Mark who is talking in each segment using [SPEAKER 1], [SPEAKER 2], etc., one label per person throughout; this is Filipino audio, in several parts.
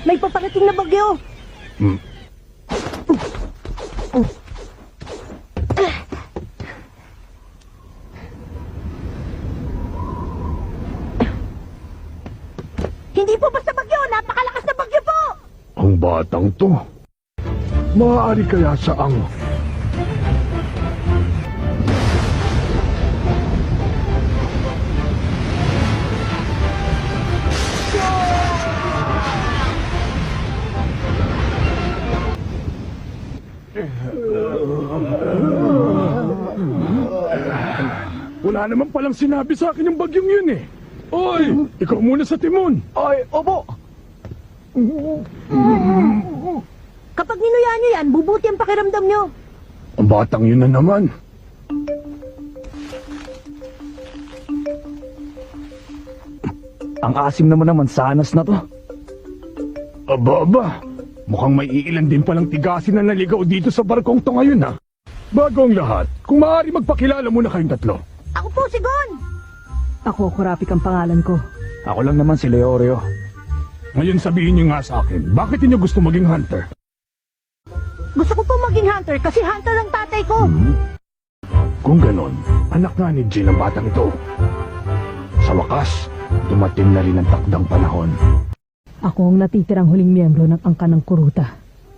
[SPEAKER 1] May paparating na bagyo! Hindi po basta bagyo! Napakalakas na bagyo po!
[SPEAKER 2] Ang batang to. Maaari kaya saang... Wala naman palang sinabi sa akin yung bagyong yun eh. Oy, ikaw muna sa timon.
[SPEAKER 3] Ay, opo.
[SPEAKER 1] Kapag ninuya niyo yan, bubuti ang pakiramdam niyo.
[SPEAKER 2] Ang batang yun na naman.
[SPEAKER 3] Ang asim naman sanas na to.
[SPEAKER 2] Aba. Mukhang may iilan din palang tigasin na naligaw dito sa barkong to ngayon ha. Bago ang lahat, kung maaari magpakilala muna kayong tatlo.
[SPEAKER 1] Ako po si Gon!
[SPEAKER 4] Ako, Kurapik ang pangalan ko.
[SPEAKER 3] Ako lang naman si Leorio.
[SPEAKER 2] Ngayon sabihin niyo nga sa akin, bakit niyo gusto maging hunter?
[SPEAKER 1] Gusto ko po maging hunter kasi hunter ang tatay ko.
[SPEAKER 2] Kung ganon, anak nga ni Jill ang batang ito. Sa wakas, dumating na rin ang takdang panahon.
[SPEAKER 4] Ako ang natitirang huling miyembro ng angkan ng Kuruta.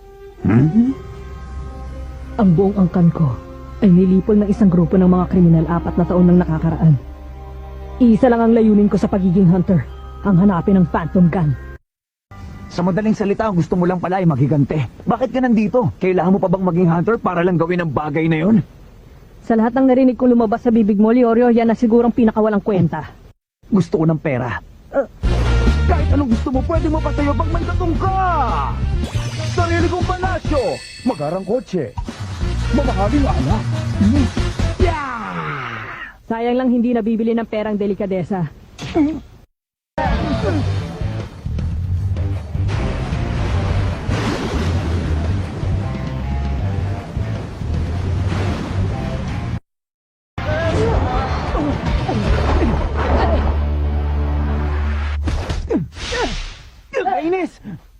[SPEAKER 4] Ang buong angkan ko ay nilipol ng isang grupo ng mga kriminal 4 na taon nang nakakaraan. Isa lang ang layunin ko sa pagiging hunter, ang hanapin ng Phantom Gun.
[SPEAKER 3] Sa madaling salita, gusto mo lang pala ay maghigante. Bakit ka nandito? Kailangan mo pa bang maging hunter para lang gawin ang bagay na yon?
[SPEAKER 4] Sa lahat ng narinig kong lumabas sa bibig mo, Leorio, yan na sigurang pinakawalang kwenta.
[SPEAKER 3] Gusto ko ng pera. Kahit anong gusto mo, pwede mo patayo pag may tatong ka! Sarili kong palasyo! Magarang kotse! Mamahaling anak!
[SPEAKER 4] Sayang lang hindi nabibili ng perang delikadesa.
[SPEAKER 3] Kainis!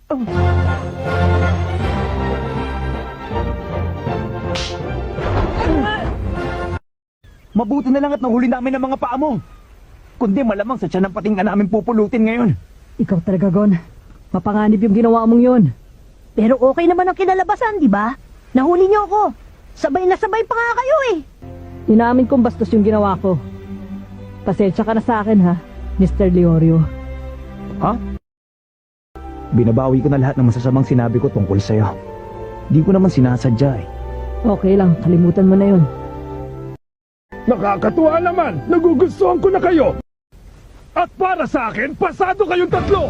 [SPEAKER 3] Mabuti na lang at nahuli namin ang mga paa mo. Kundi malamang sa tiyan ng pating ka namin pupulutin ngayon.
[SPEAKER 4] Ikaw talaga, Gon. Mapanganib yung ginawa mong yun.
[SPEAKER 1] Pero okay naman ang kinalabasan, di ba? Nahuli niyo ako. Sabay na sabay pa nga kayo eh.
[SPEAKER 4] Inamin kong bastos yung ginawa ko. Pasensya ka na sa akin, ha, Mr. Leorio.
[SPEAKER 3] Ha? Binabawi ko na lahat ng masasamang sinabi ko tungkol sa'yo. Di ko naman sinasadya eh.
[SPEAKER 4] Okay lang, kalimutan mo na yun.
[SPEAKER 2] Nakakatuwa naman! Nagugustuhan ko na kayo! At para sa akin, pasado kayong tatlo!